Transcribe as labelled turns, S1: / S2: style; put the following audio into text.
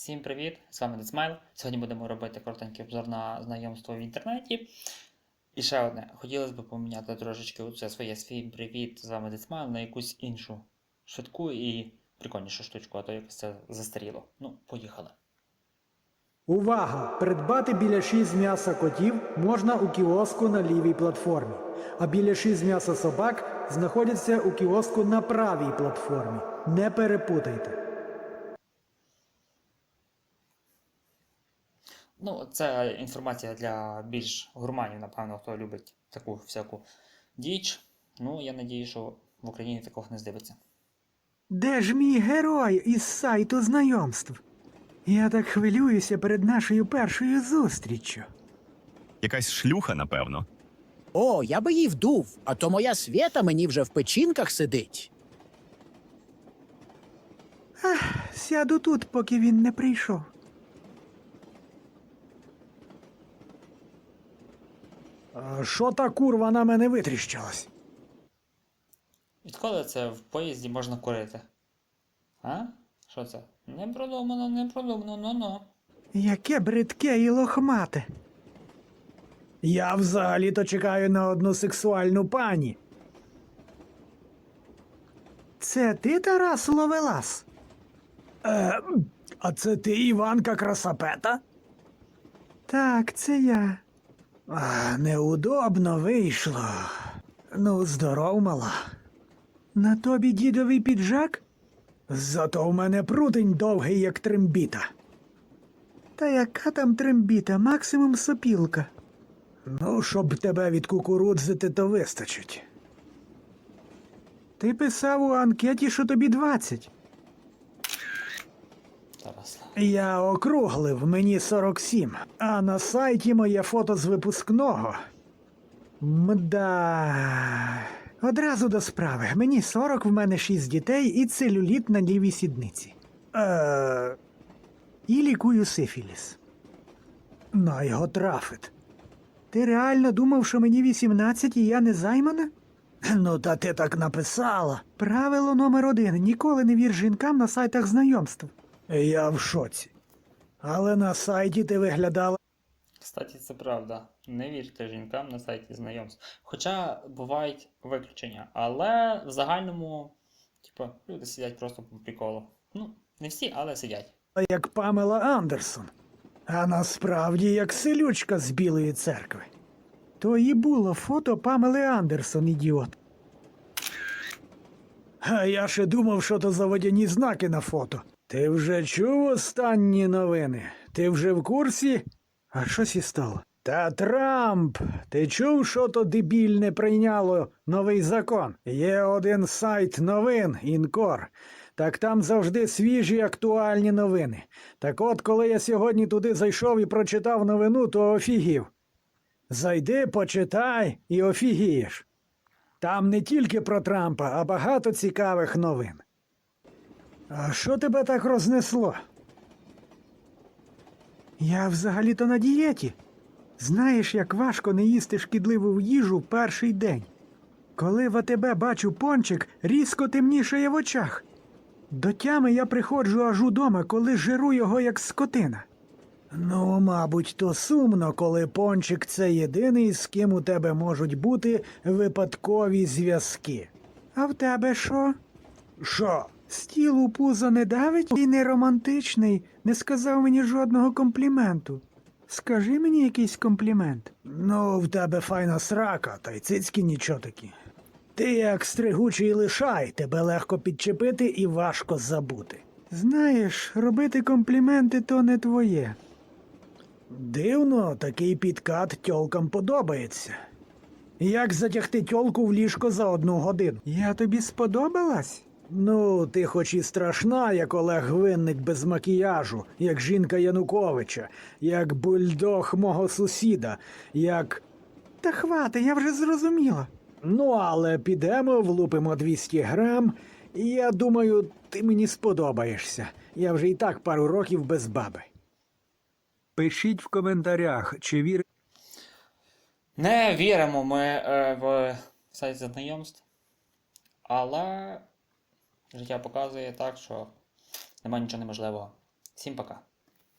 S1: Всім привіт! З вами Децмайл. Сьогодні будемо робити коротенький обзор на знайомство в інтернеті. І ще одне. Хотілося б поміняти трошечки оце свій привіт з вами Децмайл на якусь іншу швидку і прикольнішу штучку, а то якось це застаріло. Ну, поїхали.
S2: Увага! Придбати біляші з м'яса котів можна у кіоску на лівій платформі, а біляші з м'яса собак знаходяться у кіоску на правій платформі. Не перепутайте.
S1: Ну, це інформація для більш гурманів, напевно, хто любить таку всяку діч. Ну, я надію, що в Україні такого не здивиться.
S2: Де ж мій герой із сайту знайомств? Я так хвилююся перед нашою першою зустріччю.
S3: Якась шлюха, напевно.
S4: О, я би її вдув, а то моя Свєта мені вже в печінках сидить.
S2: Сяду тут, поки він не прийшов. Що та курва на мене витріщилась?
S1: Відколи це в поїзді можна курити? А? Що це? Не продумано, ну-ну.
S2: Яке бридке і лохмате. Я взагалі-то чекаю на одну сексуальну пані. Це ти, Тарас Ловелас? А це ти, Іванка Красапета? Так, це я. Неудобно вийшло. Ну, здоров, мала. На тобі дідовий піджак? Зато в мене прутень довгий, як трембіта. Та яка там трембіта? Максимум сопілка. Ну, щоб тебе відкукурудзити, то вистачить. Ти писав у анкеті, що тобі 20.
S1: Тарас.
S2: Я округлив, мені 47. А на сайті моє фото з випускного. Мда. Одразу до справи. Мені 40, в мене 6 дітей і целюліт на лівій сідниці. І лікую сифіліс. На його трафить. Ти реально думав, що мені 18 і я не займана? Ну, та ти так написала. Правило номер 1. Ніколи не вір жінкам на сайтах знайомств. Я в шоці. Але на сайті ти виглядала...
S1: Кстати, це правда. Не вірте жінкам на сайті знайомств. Хоча бувають виключення. Але в загальному, люди сидять просто по приколу. Ну, не всі, але сидять.
S2: як Памела Андерсон. А насправді як селючка з Білої церкви. То і було фото Памели Андерсон, ідіот. А я ще думав, що то за водяні знаки на фото. Ти вже чув останні новини? Ти вже в курсі? А щось і стало. Та Трамп! Ти чув, що то дебільне прийняло новий закон? Є один сайт новин, Інкор. Так там завжди свіжі актуальні новини. Так от, коли я сьогодні туди зайшов і прочитав новину, то офігів. Зайди, почитай і офігієш. Там не тільки про Трампа, а багато цікавих новин. А що тебе так рознесло? Я взагалі-то на дієті. Знаєш, як важко не їсти шкідливу їжу перший день. Коли в АТБ бачу пончик, різко темнішає в очах. До тями я приходжу аж удома, коли жиру його як скотина. Ну, мабуть, то сумно, коли пончик – це єдиний, з ким у тебе можуть бути випадкові зв'язки. А в тебе що? Що? Стіл у пузо не давить і не романтичний, не сказав мені жодного компліменту. Скажи мені якийсь комплімент. Ну, в тебе файна срака, та й цицьки нічого такі. Ти як стригучий лишай, тебе легко підчепити і важко забути. Знаєш, робити компліменти то не твоє. Дивно, такий підкат тьолкам подобається. Як затягти тьолку в ліжко за 1 годину? Я тобі сподобалась? Ну, ти хоч і страшна, як Олег Винник без макіяжу, як жінка Януковича, як бульдог мого сусіда, як... Та хвати, я вже зрозуміла. Ну, але підемо, влупимо 200 грам, і я думаю, ти мені сподобаєшся. Я вже і так пару років без баби. Пишіть в коментарях, чи вірите...
S1: Не віримо ми в сайт знайомств, але життя показує так, що немає нічого неможливого. Всім пока.